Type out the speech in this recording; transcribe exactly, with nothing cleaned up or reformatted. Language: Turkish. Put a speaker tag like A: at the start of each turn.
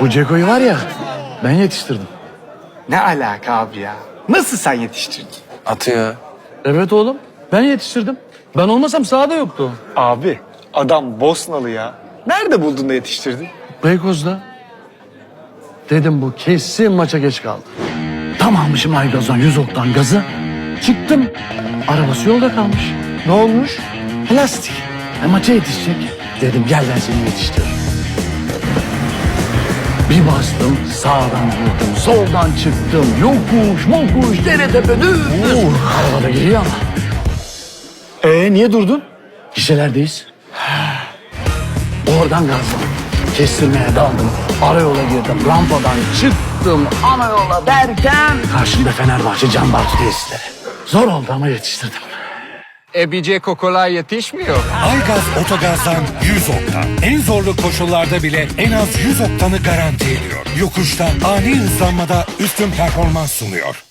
A: Bu Ceko'yu var ya ben yetiştirdim.
B: Ne alaka abi ya? Nasıl sen yetiştirdin?
C: Atı ya.
A: Evet oğlum ben yetiştirdim. Ben olmasam sahada yoktu.
B: Abi adam Bosnalı ya. Nerede buldun da yetiştirdin?
A: Beykoz'da. Dedim bu kesin maça geç kaldı. Tam almışım aygazdan yüz oktan gazı. Çıktım. Arabası yolda kalmış.
B: Ne olmuş?
A: Plastik. E, maça yetişecek. Dedim gel ben seni yetiştiririm. Bir bastım sağdan girdim soldan çıktım. Yokuş mokuş dere tepe düz. Arabada geliyor ama.
B: Ee niye durdun?
A: Gişelerdeyiz. Oradan gazladım. Kestirmeye daldım. Arayola girdim. Rampadan çıktım. Ana yola derken karşımda Fenerbahçe Can Bartu tesisleri. Zor oldu ama yetiştirdim.
D: E bir Ceko kolay yetişmiyor.
E: Aygaz Otogaz'dan yüz oktan. En zorlu koşullarda bile en az yüz oktanı garanti ediyor. Yokuşta ani hızlanmada üstün performans sunuyor.